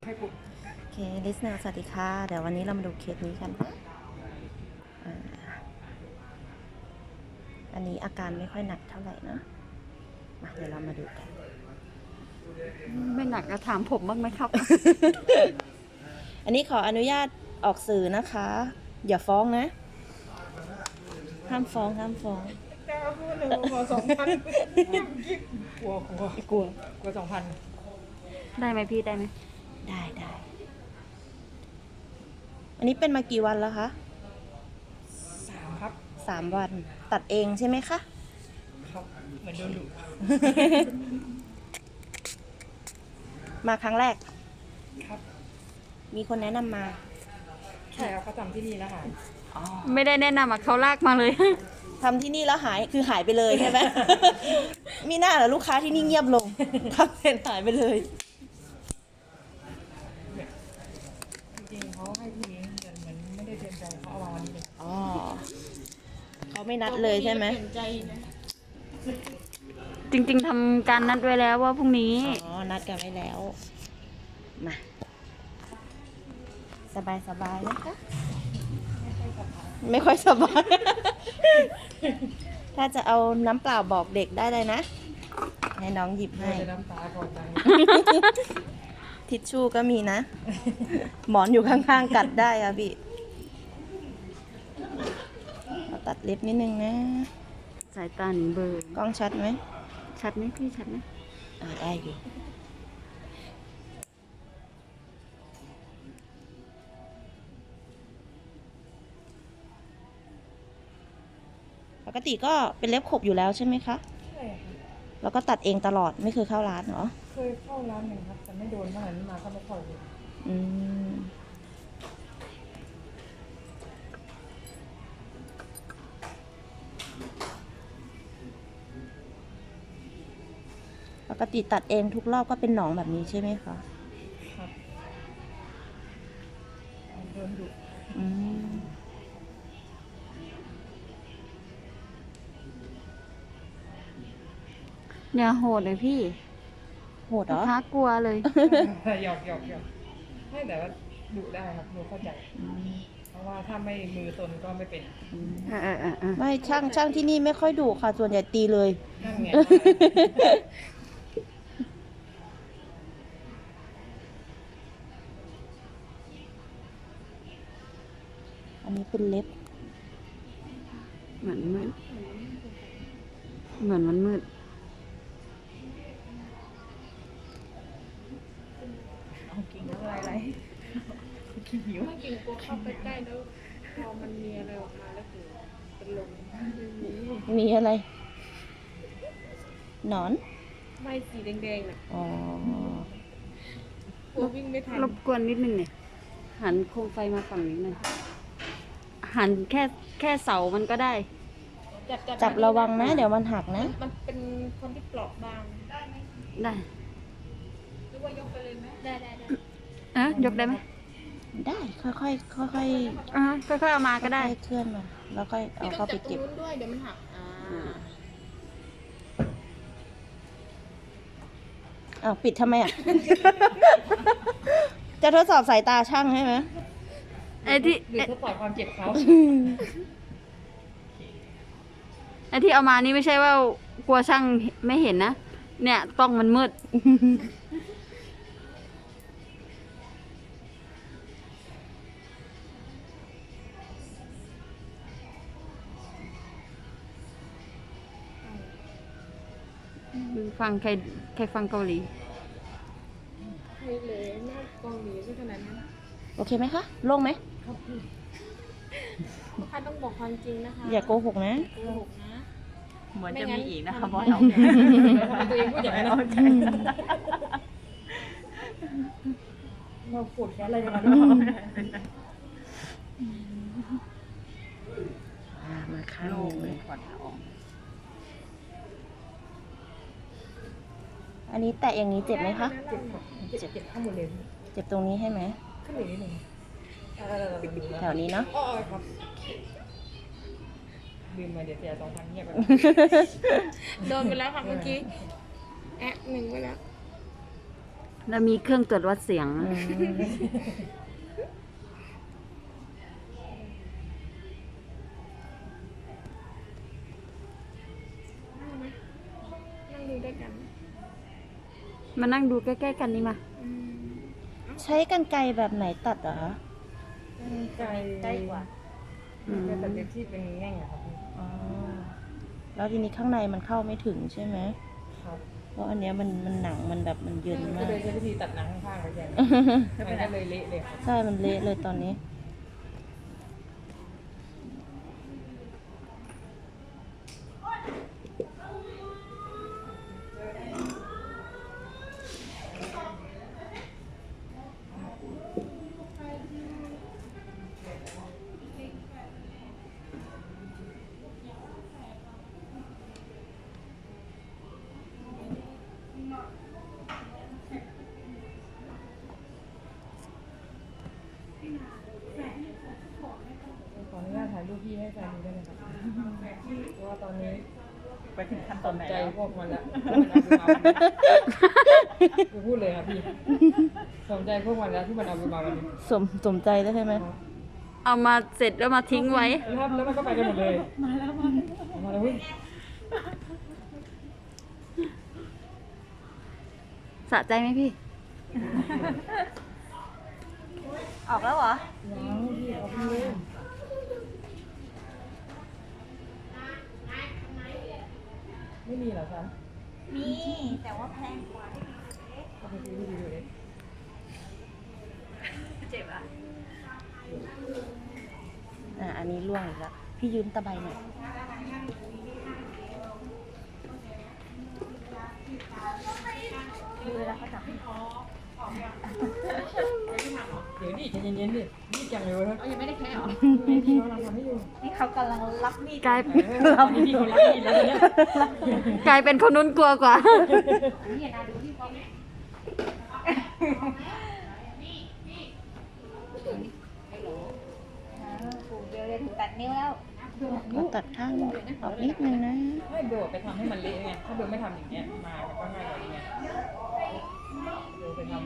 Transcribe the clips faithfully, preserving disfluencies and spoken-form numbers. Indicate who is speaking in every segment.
Speaker 1: ให้ปุ๊บ
Speaker 2: โอเคลิสนาสวัสดีค่ะเดี๋ยววันนี้เรามาดูเคสนี้กันนะอ่าอันนี้อาการไม่ค่อยหนักเท่าไหร่นะมาเดี๋ยวเรามาดูกัน
Speaker 3: ไม่หนักก็ถามผมบ้างไหมครับ
Speaker 2: อันนี้ขออนุญาตออกสื่อนะคะ อย่าฟ้องนะ ห้ามฟ้องห้ามฟ้อง
Speaker 1: แต่พูดหนึ่งขอสองพันกลัวกลัว
Speaker 2: กลัว
Speaker 1: กลัวสองพัน
Speaker 3: ได้ไหมพี่ได้ไหม
Speaker 2: ได้ได้อันนี้เป็นมากี่วันแล้วคะ
Speaker 1: สามครับ
Speaker 2: สามวันตัดเองใช่ไหมคะ
Speaker 1: ครับเหมือนโดนดุ
Speaker 2: มาครั้งแรก
Speaker 1: ครับ
Speaker 2: มีคนแนะนำมา
Speaker 1: ใช่ครับเขาทำที่นี่แล้วค่ะ
Speaker 3: ไม่ได้แนะนำอ่ะเขาลากมาเลย
Speaker 2: ทำที่นี่แล้วหายคือหายไปเลยใช่ไหม มีหน้าเหรอลูกค้าที่นี่เงียบลง ทำเสร็จหายไปเลย
Speaker 1: จริงๆเขาให้ทีนี้แต่เหมือนไม่ได้เตรียมใจเขาเอามาวันนี้เลย
Speaker 2: อ๋อเขาไม่นัดเลยใช่ไหม
Speaker 3: จริงๆทำการนัดไว้แล้วว่าพรุ่งนี้
Speaker 2: อ๋อ นัดกันไว้แล้ว มา สบายสบายนะคะ ไม่ค่อยสบาย ถ้าจะเอาน้ำเปล่าบอกเด็กได้เลยนะ ให้น้องหยิบให้
Speaker 1: จะน้ำตาคลอใจ
Speaker 2: ทิชชู่ก็มีนะ หมอนอยู่ข้างๆกัดได้อะพี่เราตัดเล็บนิดนึงนะ
Speaker 3: สายตาหนีเบลอร์
Speaker 2: กล้องชัดไหม
Speaker 3: ชัดไหมพี่ชัดไหม
Speaker 2: อ่าได้อยู่ ปกติก็เป็นเล็บขบอยู่แล้วใช่ไหมคะ
Speaker 1: ใช่ค่ะ
Speaker 2: แล้วก็ตัดเองตลอดไม่เคยเข้าร้านเหรอ
Speaker 1: เคยเข้าร้านหนึ่งครับแต่ไม่โดนเมื่อไหร่มาก็ไม่เข้าเลย
Speaker 2: อืม ปกติตัดเองทุกรอบก็เป็นหนองแบบนี้ใช่ไหมคะ
Speaker 1: ครับโดนดุ
Speaker 2: อืม
Speaker 3: เนี่ยโหดเลยพี่
Speaker 2: โหดเหร
Speaker 3: ลูก
Speaker 2: อ
Speaker 3: ค้ากลัวเลย
Speaker 1: หยอกหยอกหยอกไม่แต่ว่าดุได้ครับดุเข้าใจ
Speaker 2: อืม
Speaker 1: เพราะว่าถ้าไม่มือตนก็ไม่เป็น
Speaker 2: อืม
Speaker 3: เออเออเออเออ
Speaker 2: ไม่ช่างช่างที่นี่ไม่ค่อยดุค่ะ ส่วนใหญ่ตีเลย
Speaker 1: นั่นไง
Speaker 2: อันนี้เป็นเล็บ
Speaker 3: เหมือนมืดเหมือนมันมืด
Speaker 1: เอากิ่งอะไรอะไรขี้หิว
Speaker 4: ไม่กิ่งกลัวเข้าไปใกล้แล้วพอมันมีอะไรออกมาแล้วคือเป็นลมไม่มี
Speaker 2: มีอะไร หนอน
Speaker 4: ไม่สีแดงๆน่ะ
Speaker 2: อ๋อ
Speaker 4: กลัววิ่งไม่ทัน
Speaker 3: รบกวนนิดนึงเนี่ยหันโคมไฟมาฝั่งนี้หน่อยหันแค่แค่เสามันก็ได้
Speaker 4: จับจับ
Speaker 2: จับระวังนะ เดี๋ยวมันหักนะ
Speaker 4: มันเป็นคนที่เปราะบาง
Speaker 3: ได้
Speaker 4: หรือว่ายกไปเลยไหมได้ได้ได้
Speaker 3: อ่ะยกได้ไหม
Speaker 2: ได้ ค่อยๆ ค่อยๆ
Speaker 3: อ่ะค่อยๆเอามาก็ได้
Speaker 2: ค่อยๆเคลื่อนมา แล้วก็เอา
Speaker 4: พี่ต้อ
Speaker 2: เข้าง ไป
Speaker 4: จับตร
Speaker 2: เก็
Speaker 4: ง
Speaker 2: บ
Speaker 4: นู้นด้วยเดี๋ยวมันหักอ่า
Speaker 2: อ้าว ปิดทำไมอ่ะ จะทดสอบสายตาช่างใช่ไหม
Speaker 3: ไอ้ที่
Speaker 1: หรือทดสอบความเจ็บเขา
Speaker 3: ไอ้ที่เอามานี่ไม่ใช่ว่ากลัวช่างไม่เห็นนะ เนี่ยต้องมันมืด ฟังใครใครฟังเกาหลี
Speaker 4: ใครเลยหน้ากองหลีซะขนาดนั้น
Speaker 2: โอเคไหมคะ โล่งไหม
Speaker 4: ลูกค้าต้องบอกความจริงนะคะ
Speaker 2: อย่าโกหกนะ
Speaker 4: โกหกนะ
Speaker 1: เหมือน
Speaker 4: ไม่
Speaker 1: จะ
Speaker 4: งั้
Speaker 1: มี
Speaker 4: น
Speaker 1: อีกนะคะ
Speaker 4: ทำ
Speaker 1: บอสเอา
Speaker 4: ตัวเองพูดอย่างนั้น
Speaker 1: เราปวดแค่อะไรกัน
Speaker 2: อ่ามาข้าง
Speaker 1: โล่ง
Speaker 2: ห
Speaker 1: เล
Speaker 2: นึ่
Speaker 1: ย
Speaker 2: ง
Speaker 1: ก่อนออก
Speaker 2: อันนี้แตะอย่างนี้เจ็บไหมคะ
Speaker 1: เจ็บครับเจ็บเจ็บข้างบนเลย
Speaker 2: เจ็บตรงนี้ใช่ไหม
Speaker 1: ขึ้นอีกนิดหนึ่ง
Speaker 2: แถวนี้เนาะ
Speaker 1: อ๋อครับลืมมาเดี๋ยวเสียสองพันเงียบไป
Speaker 4: โดนไปแล้วค่ะเมื่อกี้แอะหนึ่งไปแล้ว
Speaker 2: อ
Speaker 3: แล้วมีเครื่องตรวจวัดเสียง
Speaker 2: อืม
Speaker 4: นั่งดูด้วยกัน
Speaker 3: มานั่งดูใกล้ๆกันนี่มา
Speaker 4: อืม
Speaker 2: ใช้กรรไกรแบบไหนตัดเหรอคะ
Speaker 1: ไกล
Speaker 2: ใกล้กว่า
Speaker 3: อืม
Speaker 1: แต่เด็กที่เป็นแง่งอะครับพี่
Speaker 2: อ๋อ แล้วทีนี้ข้างในมันเข้าไม่ถึงใช่ไหม
Speaker 1: ครับ
Speaker 2: เพราะอันเนี้ยมันมันหนังมันแบบมันเยิน
Speaker 1: ก็
Speaker 2: มาก
Speaker 1: เลยใช้วิธีตัดหนังข้างๆไปแทนมันก็เลยเละเลยครับ
Speaker 2: ใช่ มันเละเลยตอนนี้
Speaker 1: ขออนุญาตถ่ายรูปพี่ให้แฟนดูได้ไหมครับเพราะว่าตอนนี้
Speaker 5: ไปถึงขั้นตอนไหน
Speaker 1: ใจ
Speaker 5: แล้ว
Speaker 1: พวกมันละมันเอาไปมาวันนี้กูพูดเลยครับพี่สนใจพวกมันแล้วที่มันเอาไปมาวันนี้
Speaker 2: สมสมใจแล้วใช่ไหม
Speaker 3: เอามาเสร็จแล้วมาทิ้งไว้
Speaker 1: แล้วแล้วมันก็ไปกันหมดเลยมาแล้วมามาแล้วเฮ้ย
Speaker 3: สะใจไหมพี่
Speaker 2: ออกแล้วเหรอ
Speaker 1: ยังพี่เอาพี่เลยไม่มีเหรอคะ
Speaker 2: มี แต่ว่าแพงกว่า
Speaker 1: เอาไปซื้อที่ดีเลย
Speaker 2: เจ็บอ่ะ อ่ะ อันนี้ล่วงอีกแล้ว พี่ยืมตะไบหน่อย ดูเวลาเขาจับ
Speaker 1: เดี๋ยวดิใจเย็นๆดิรีบจังเลยวะ
Speaker 4: เอายังไม่ได้แค่หรอ
Speaker 1: พี่เขากำลังทำให้อยู่
Speaker 2: นี่เขากำลังรับมีด
Speaker 3: กลาย
Speaker 1: เออตอนนี้พี่เขารับมีดแล้วตอนเนี้ย
Speaker 3: กลายเป็นคนนู้นกลัวกว่า
Speaker 4: นี่นะดูที่เขาเนี่ย
Speaker 2: ปูเดียวเลยถึงตัดนิ้วแล้วเราตัดข้างออกนิดนึงนะ
Speaker 1: ให้เบลไปทำให้มันเละไง ถ้าเบลไม่ทำอย่างเงี้ยมามันก็ง่ายกว่านี้ไงเบลไปทำ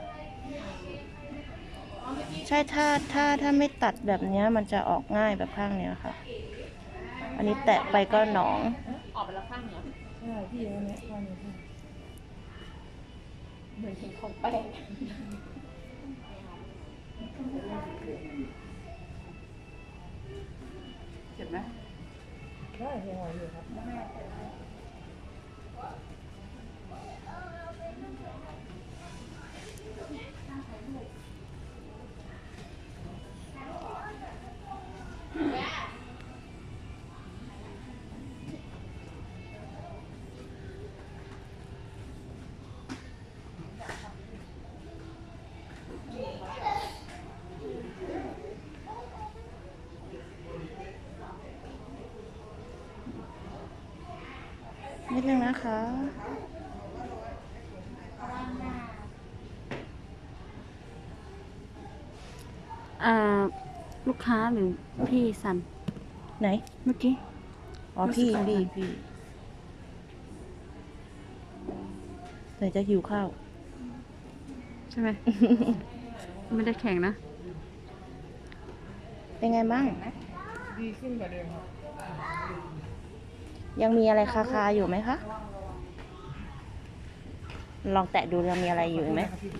Speaker 2: ใช่ถ้าถ้าถ้าไม่ตัดแบบเนี้ยมันจะออกง่ายแบบข้างเนี้ยค่ะ อันนี้แตะไปก็หนอง
Speaker 4: ออกไปแล้วข้างเหรอ
Speaker 1: ใช่พี่เอาเนี้ยข้างนี้พี่
Speaker 4: เหมือนเห็นของแป้งเห็นไหม
Speaker 1: ได้เฮียหอยอยู่ครับ
Speaker 2: นิดนึงนะคะ
Speaker 3: อ่า ลูกค้าหรือพี่สัน
Speaker 2: ไหน
Speaker 3: เมื่อกี้
Speaker 2: อ๋อพี่
Speaker 3: รู้สึก
Speaker 2: พี่
Speaker 3: อะไร
Speaker 2: พี่เดี๋ยวจะหิวข้าว
Speaker 3: ใช่ไหม ไม่ได้แข่งนะ
Speaker 2: เป็นไงบ้าง
Speaker 1: ดีขึ้นกว่าเดิมครับ
Speaker 2: ยังมีอะไรคาคาๆอยู่ไหมคะ ลองแตะดูยังมีอะไรอยู่ไหม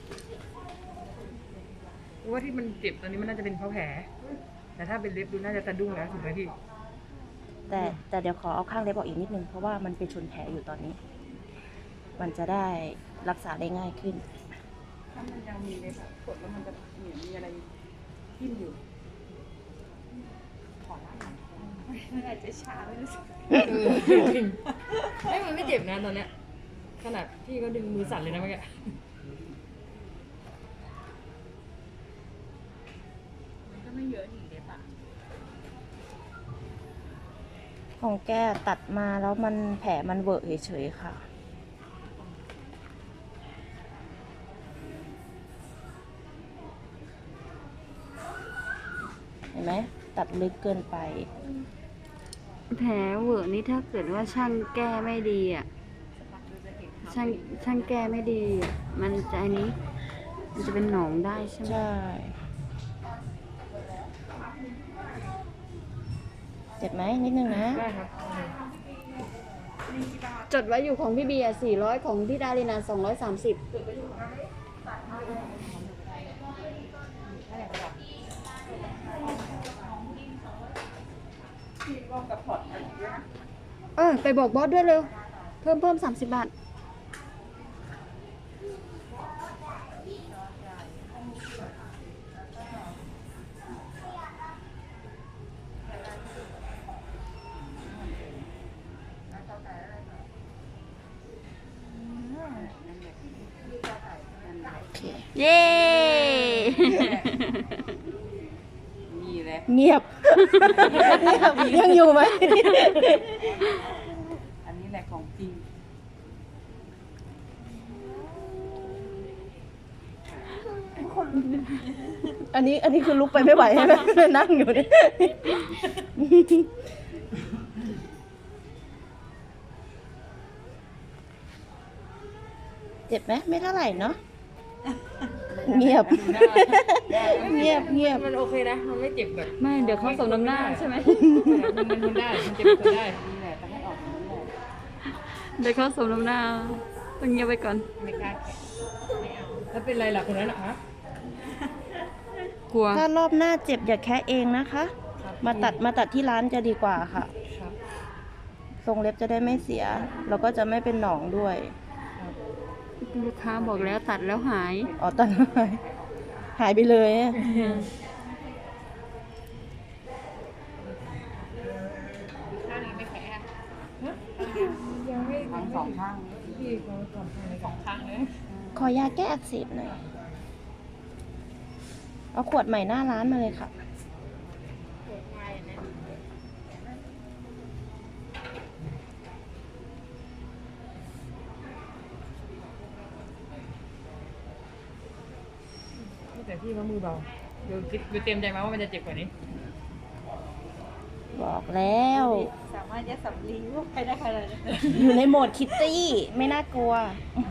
Speaker 1: ว่าที่มันเจ็บตอนนี้มันน่าจะเป็นเพราะแผล แต่ถ้าเป็นเล็บดูน่าจะสะดุ้งแล้วถูกไหมพี่
Speaker 2: แต่แต่เดี๋ยวขอเอาข้างเล็บออกอีกนิดนึง เพราะว่ามันเป็นชนแผลอยู่ตอนนี้ มันจะได้รักษาได้ง่ายขึ้น
Speaker 1: ถ้ามันยังมีเล็บอะกดแล้วมันจะเหมือนมีอะไรทิ่มอยู่
Speaker 4: มันอาจจะชาไม่รู้สึก
Speaker 1: เออจริงไอ้ยมันไม่เจ็บนะตอนเนี้ย ขนาดพี่ก็ดึงมือสั่นเลยนะเมื่อกี้
Speaker 4: มันก็ไม่เยอะหนีเด็บอ่ะ
Speaker 2: ของแกตัดมาแล้วมันแผลมันเวอะเฉยๆค่ะ เห็นไหม ตัดลึกเกินไป
Speaker 3: แผลเวอะนี่ถ้าเกิดว่าช่างแก้ไม่ดีอ่ะ
Speaker 4: สักพักดูจะเห็นเขา
Speaker 3: ใช่ช่างช่างแก้ไม่ดี มันจะอันนี้ มันจะเป็นหนองได้ใช่ไหม
Speaker 2: ใช่ เจ็บไหมนิดนึงนะ
Speaker 1: ได้ครับ
Speaker 3: จดไว้อยู่ของพี่เบียร์สี่ร้อยของพี่ดารินาสองร้อยสามสิบเออไปบอกบอสด้วยเร็ว เพิ่มเพิ่มสามสิบบาท เย้
Speaker 1: นี่แหละ
Speaker 2: เงียบ เงียบยังอยู่ไหม
Speaker 1: อันนี้แหละของจริง
Speaker 2: อันนี้อันนี้คือลุกไปไม่ไหวใช่ไหม นั่งอยู่เนี่ย เจ็บไหมไม่เท่าไหร่เนาะ เงียบ เงียบเงียบ
Speaker 1: มันโอเคนะ มันไม่เจ็บแบบ
Speaker 3: ไม่ เดี๋ยวเขาส่งน้ำหน้าใช่ไหม
Speaker 1: มันมันทนได้ มันเจ็บทนได้ นี่แหละต้องให้ออกนี่แหละ
Speaker 3: เดี๋ยวเขาส่งน้ำหน้าต้องเงียบไว้ก่อน
Speaker 1: ไม่กล้าแขะไม่เอาแล้วเป็นไรล่ะคนนั้นเหรอคะ
Speaker 3: กลัว
Speaker 2: ถ้ารอบหน้าเจ็บอย่าแคะเองนะคะ มาตัดมาตัดที่ร้านจะดีกว่าค่ะ
Speaker 1: ครับ
Speaker 2: ทรงเล็บจะได้ไม่เสีย แล้วก็จะไม่เป็นหนองด้วย
Speaker 3: ลูกค้าบอกแล้วตัดแล้วหาย
Speaker 2: อ๋อตัดหายหายไปเลยอะ
Speaker 4: ข้างนี้ไม่แข็ง
Speaker 1: ยังไม่ทั้งสองข้างพี่เขาสองข้างเลยสองข้างเลย
Speaker 2: ขอยาแก้อักเสบหน่อย เอาขวดใหม่หน้าร้านมาเลยค่ะ
Speaker 1: แต่พี่เขามือเบาเดี๋ยวคิดเดี๋ยวเตรียมใจมาว่ามันจะเจ็บกว่านี้
Speaker 2: บอกแล้ว
Speaker 4: สามารถยัดสำลีลูกไปได้ขนาดนั้น
Speaker 2: อยู่ในโหมดคิตตี้ ไม่น่ากลัว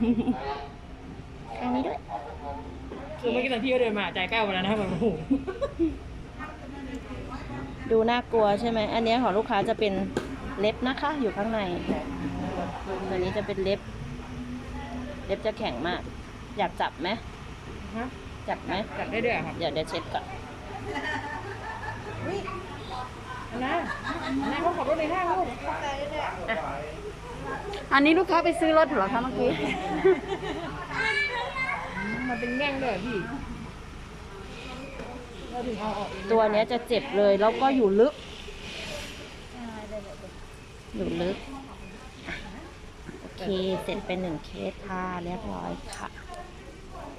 Speaker 2: อันนี้ด้วย
Speaker 1: คือเมื่อกี้ตอนพี่เขาเดินมาใจแป้วไปแล้วนะครับแบบโอ้โห
Speaker 2: ดูน่ากลัวใช่ไหม อันนี้ของลูกค้าจะเป็นเล็บนะคะ อยู่ข้างใน ตัวนี้จะเป็นเล็บ เล็บจะแข็งมาก อยากจับไหม
Speaker 1: ฮะ
Speaker 2: จับไหม
Speaker 1: จัดได้ด้วยเหรอครับ
Speaker 2: เดี๋ยวเดี๋ยวเช็ดก่อน
Speaker 1: อันนั้นอันนั้นเขาขับรถในห้างลูก
Speaker 3: อันนี้ลูกค้าไปซื้อรถเหรอคะเมื่อกี้
Speaker 1: มันเป็นแง่งเลยเหรอพี่เราถึงเอาออกเอง
Speaker 2: ตัวเนี้ยจะเจ็บเลย แล้วก็อยู่ลึก อยู่ลึก โอเค เสร็จเป็นหนึ่งเคสค่ะ เรียบร้อยค่ะ